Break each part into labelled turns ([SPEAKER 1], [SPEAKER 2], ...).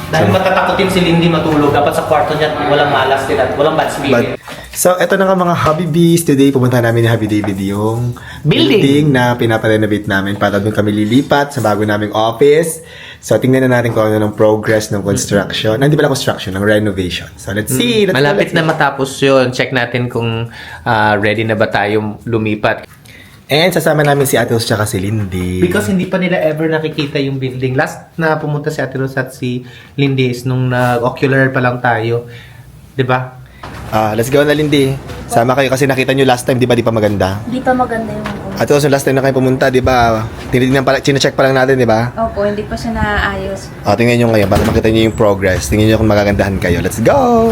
[SPEAKER 1] Dahil matatakotin si Lindy matulog. Dapat sa kwarto niya walang malas din at walang bad spirit.
[SPEAKER 2] So, eto na nga mga Hobby Bees. Today, pumunta namin ni Hobby David yung building na pinaparenovate namin para doon kami lilipat sa bago naming office. So, tingnan na natin kung ano ng progress ng construction. Hindi pala construction, ng renovation. So, let's see.
[SPEAKER 3] Malapit na matapos yun. Check natin kung ready na ba tayo lumipat.
[SPEAKER 2] And sasama namin si Ate Rose tsaka si Lindy.
[SPEAKER 1] Because hindi pa nila ever nakikita yung building. Last na pumunta si Ate Rose at si Lindy is nung nag-ocular pa lang tayo. 'Di ba?
[SPEAKER 2] Let's go na, Lindy. Sama kayo kasi nakita nyo last time, di ba? Di pa maganda.
[SPEAKER 4] Hindi pa maganda yung ako.
[SPEAKER 2] Ate Rose, last time na kayo pumunta, di ba? Tinitingnan pala, chinecheck pa lang natin, di ba?
[SPEAKER 4] Opo, hindi pa siya naaayos.
[SPEAKER 2] Tingnan nyo ngayon para makita nyo yung progress. Tingnan nyo kung magagandahan kayo. Let's go!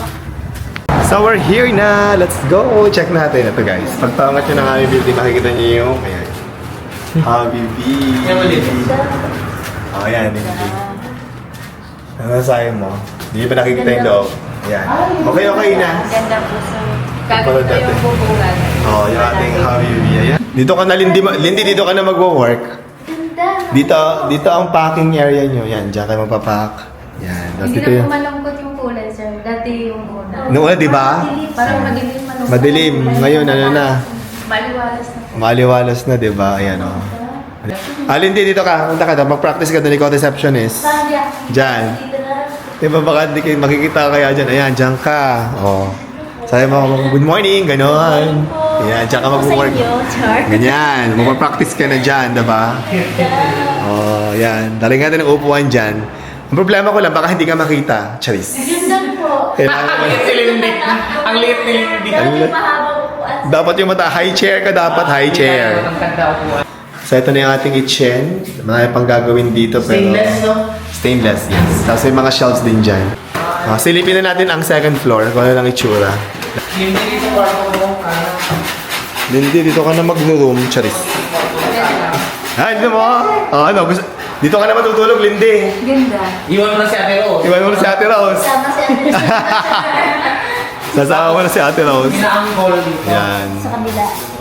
[SPEAKER 2] So we're here na. Let's go. Check natin. Ito guys. Pagpangat nyo ng aming building, makikita nyo yung ayan. Hobby Bee. Ayan. Ano sayo mo? Hindi ba nakikita yung loob? Ayan. Okay na.
[SPEAKER 4] Ganda po sa... Gagawin ko yung bubungan.
[SPEAKER 2] Yung ating Hobby Bee. Ayan. Dito ka na, Lindy. Lindy, dito ka na mag-work.
[SPEAKER 4] Ganda.
[SPEAKER 2] Dito ang packing area nyo. Yan, dyan kayo magpapack. Yan. Tapos
[SPEAKER 4] Hindi
[SPEAKER 2] dito
[SPEAKER 4] na
[SPEAKER 2] yung...
[SPEAKER 4] po malungkot yung kulay, sir. Dati yung una.
[SPEAKER 2] Noong una, di ba?
[SPEAKER 4] Parang madilim malungkot.
[SPEAKER 2] Madilim. Ngayon, ano na?
[SPEAKER 4] Maliwalas na po.
[SPEAKER 2] Maliwalas na, di ba? Ayan, o. Lindy, dito ka. Punta ka na. Mag-practice ka doon. Ikaw receptionist. Diyan. Di ba baka di kayo makikita kaya dyan? Ayan, dyan ka. Sabi mo, good morning, gano'n. Ayan, dyan ka mag-work. Ganyan, mag-practice ka na dyan, di ba? Ayan. Daling natin ang upuan dyan. Ang problema ko lang, baka hindi ka makita. Charis.
[SPEAKER 4] Ganda po.
[SPEAKER 1] Ang liit ni Lindy. Ang liit ni Lindy.
[SPEAKER 4] Dati mahabang upuan.
[SPEAKER 2] Dapat yung mata, high chair ka dapat, high chair.
[SPEAKER 1] Ang ganda upuan.
[SPEAKER 2] So, ito na yung ating kitchen. Marami pang gagawin dito, pero...
[SPEAKER 1] Stainless, no?
[SPEAKER 2] Stainless, yes. Tapos may mga shelves din dyan. Silipin na natin ang second floor, kung ano lang itsura.
[SPEAKER 1] Lindy dito kwarto mo.
[SPEAKER 2] Lindy, dito ka na mag-room, charis. Ano mo? Dito ka na matutulog, Lindy.
[SPEAKER 4] Ganda.
[SPEAKER 1] Iwan mo na si Ate Rose.
[SPEAKER 2] Iwan mo na si Ate Rose.
[SPEAKER 4] Sama si Ate
[SPEAKER 2] Sasama mo na si Ate Rose.
[SPEAKER 1] Pinaangkol dito.
[SPEAKER 2] Yan.
[SPEAKER 4] sa kabila.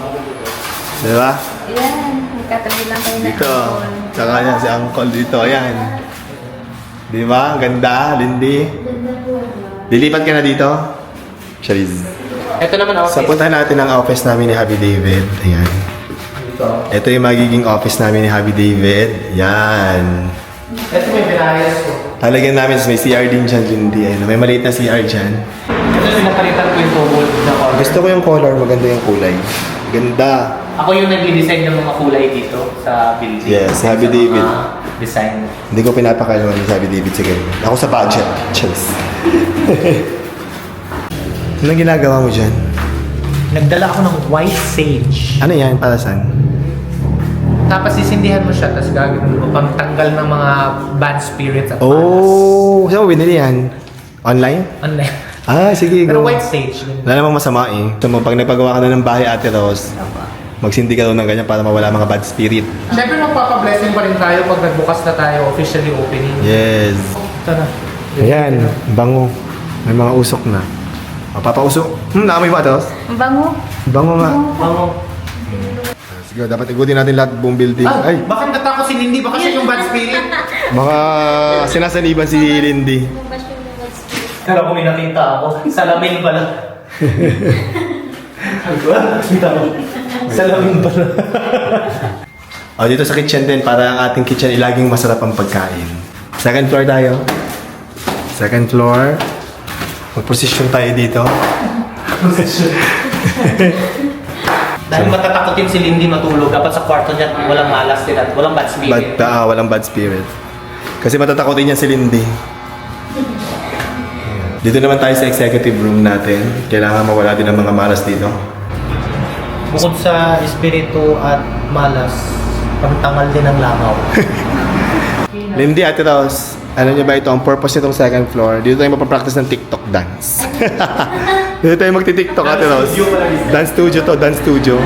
[SPEAKER 2] Diba?
[SPEAKER 4] Ayan. Magkatabi lang kayo na.
[SPEAKER 2] Dito. Tsaka yan, si Uncle dito. Ayan. Diba? Ang ganda, Lindy.
[SPEAKER 4] Ganda po.
[SPEAKER 2] Lilipat ka na dito? Charis.
[SPEAKER 1] Ito naman
[SPEAKER 2] So,
[SPEAKER 1] office.
[SPEAKER 2] puntahan natin ang office namin ni Hobby David. Ayan. Ito yung magiging office namin ni Hobby David. Yan.
[SPEAKER 1] Ito may pinayas ko.
[SPEAKER 2] Talagyan namin, may CR din dyan, Lindy. Ayun, may maliit na CR dyan.
[SPEAKER 1] Ito pinapalitan ko yung tubol na color.
[SPEAKER 2] Gusto ko yung color, maganda yung kulay. Ganda.
[SPEAKER 1] Ako yung nag-design ng mga kulay dito sa building.
[SPEAKER 2] Yes, si Hobby
[SPEAKER 1] Sa
[SPEAKER 2] David.
[SPEAKER 1] mga design.
[SPEAKER 2] Hindi ko pinapakalaman ni Hobby David. Sige, ako sa budget. Cheers. Anong ginagawa mo dyan?
[SPEAKER 1] Nagdala ako ng white sage.
[SPEAKER 2] Ano yan? Para saan?
[SPEAKER 1] Tapos sisindihan mo siya, tapos gagawin mo pangtanggal ng mga bad spirits at
[SPEAKER 2] Oh! Saan mo binili yan? Online?
[SPEAKER 1] Online.
[SPEAKER 2] Sige,
[SPEAKER 1] Pero
[SPEAKER 2] go.
[SPEAKER 1] white sage.
[SPEAKER 2] Wala namang masama eh. So, pag nagpagawa ka na ng bahay, Ate Rose, magsindi ka daw ng ganyan para mawala mga bad spirit.
[SPEAKER 1] Siyempre magpapablessing pa rin tayo pag nagbukas na tayo officially opening.
[SPEAKER 2] Yes.
[SPEAKER 1] Ito na.
[SPEAKER 2] Ayan, bango. May mga usok na. Papausok. Naamoy mo, Ate Rose?
[SPEAKER 4] Ang bango.
[SPEAKER 2] Bango nga.
[SPEAKER 1] Ano?
[SPEAKER 2] Sige, dapat igutin natin lahat buong building. Ay,
[SPEAKER 1] Bakit natakot si Lindy? Baka siya yung bad spirit?
[SPEAKER 2] mga sinasaniban si Lindy.
[SPEAKER 1] Alam ko may nakita ako. Salamin pala. Nakita ko. Salamin pala.
[SPEAKER 2] Dito sa kitchen din, para ang ating kitchen ay laging masarap ang pagkain. Second floor tayo. Second floor. Mag-position tayo dito.
[SPEAKER 1] Dahil matatakotin si Lindy matulog. Dapat sa kwarto niya walang malas din at walang bad spirit.
[SPEAKER 2] Walang bad spirit. Kasi matatakotin niya si Lindy. Dito naman tayo sa executive room natin. Kailangan mawala din ang mga malas dito.
[SPEAKER 1] Bukod sa espiritu at malas, pagtangal din ng langaw.
[SPEAKER 2] Lindy, Ate Rose, ano niyo ba ito? Ang purpose nitong second floor, dito tayo mapapractice ng TikTok dance. Dito tayo magti-TikTok, Ate Rose. Dance studio to, dance studio.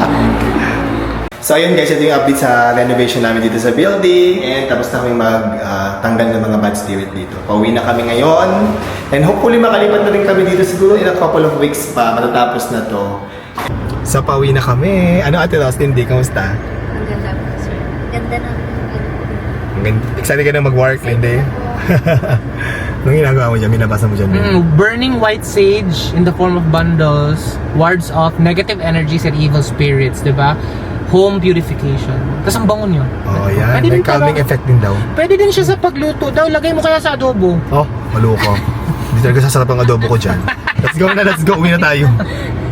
[SPEAKER 2] So ayun guys, ito yung update sa renovation namin dito sa building. And tapos na kami magtanggal ng mga bad spirit dito. Pauwi na kami ngayon. And hopefully makalipat na rin kami dito siguro in a couple of weeks pa. Matatapos na to. So pauwi na kami. Ano, Ate Rose, Lindy, kamusta?
[SPEAKER 4] Ang ganda po, sir. Ganda na.
[SPEAKER 2] Excited ka na mag-work, Lindy? Anong ginagawa mo dyan? Minabasa mo dyan?
[SPEAKER 1] Burning white sage in the form of bundles wards off negative energies and evil spirits, di ba? Home purification. Tapos ang bango nyo.
[SPEAKER 2] Oh, yan.
[SPEAKER 1] Pwede
[SPEAKER 2] May
[SPEAKER 1] din
[SPEAKER 2] calming
[SPEAKER 1] para-
[SPEAKER 2] effect din daw.
[SPEAKER 1] Pwede din siya sa pagluto daw. Lagay mo kaya sa adobo.
[SPEAKER 2] Oh, maluko. Hindi talaga sasarap ang adobo ko dyan. Let's go na, let's go. Uwi na tayo.